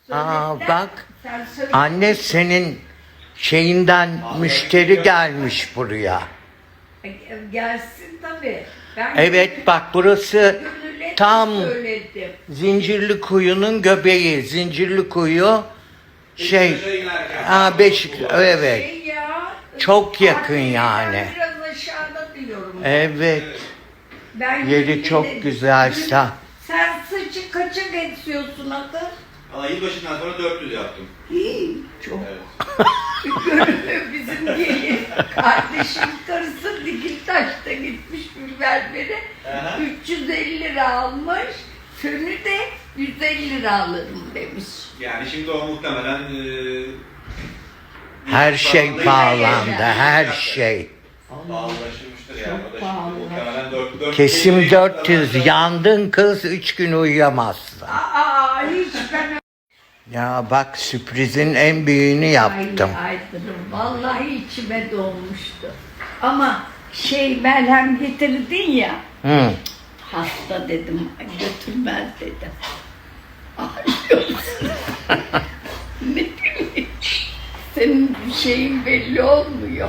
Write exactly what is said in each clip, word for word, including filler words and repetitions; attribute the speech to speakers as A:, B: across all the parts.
A: Aa
B: Söylediler.
A: bak.
B: Sen söyle.
A: Anne senin şeyinden müşteri gelmiş buraya.
B: Gelsin tabii. Ben
A: Evet bak burası
B: Gönül'e
A: tam
B: söyledim.
A: Zincirlikuyu'nun göbeği. Zincirlikuyu şey
C: Beşiktaş'a inerken.
A: Aa Beşik evet.
B: Şey ya,
A: Çok yakın
B: Fatih'den
A: yani.
B: Biraz aşağıda diyorum.
A: Evet.
B: Ben
A: Yeri
B: yine
A: çok
B: de-
A: güzel. Sen
B: Sen saçı kaça geçiyorsun adı?
C: Valla yılbaşından sonra dört yüz yaptım.
B: İyi, çok.
C: Evet.
B: Gönül bizim gelin. Kardeşim karısı Dikiltaş'ta gitmiş bir berbere.
C: Aha.
B: üç yüz elli lira almış. Fönü de yüz elli lira alırım demiş.
C: Yani şimdi o muhtemelen e,
A: her şey pahalandı. Her şey.
C: pahalılaşmıştır yani.
B: Çok
C: O da şimdi
B: pahalı.
C: muhtemelen dört- dört yüz
A: Kesim
C: elli
A: dört yüz.
C: lira-
A: Yandın kız üç gün uyuyamazsın.
B: Aa hiç ben
A: Ya bak sürprizin en büyüğünü yaptım.
B: Ay, Aydın'ım vallahi içime dolmuştu. Ama şey merhem getirdin ya.
A: Hı.
B: Hasta dedim götürmez dedim. Ağlıyorsun. Ne bileyim. Senin bir şeyin belli olmuyor.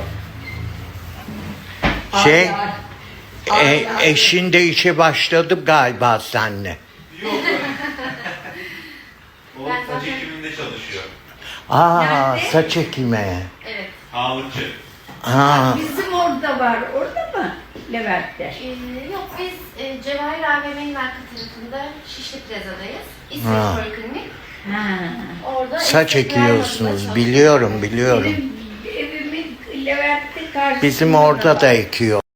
A: Şey,
B: Ay, ay,
A: E,
B: ay, ay.
A: eşin de işe başladı galiba seninle.
C: Yok. O
D: Ben
C: saç
D: zaten-
C: ekiminde çalışıyor.
A: Aa
B: Nerede?
A: saç ekimi.
D: Evet.
C: Sağlıkçı.
A: Aa,
B: Bizim orada var. Orada mı? Levent'te.
D: Ee, yok biz e, Cevahir A V M'nin arka tarafında Şişli Plaza'dayız.
A: Ha.
D: İsveç Poliklinik.
B: Ha.
D: Orada
A: saç
D: estetik yer
A: ekiyorsunuz
D: bazında
A: biliyorum biliyorum.
B: Benim evimin Levent'te karşısında
A: Bizim orada
B: var.
A: da ekiyor.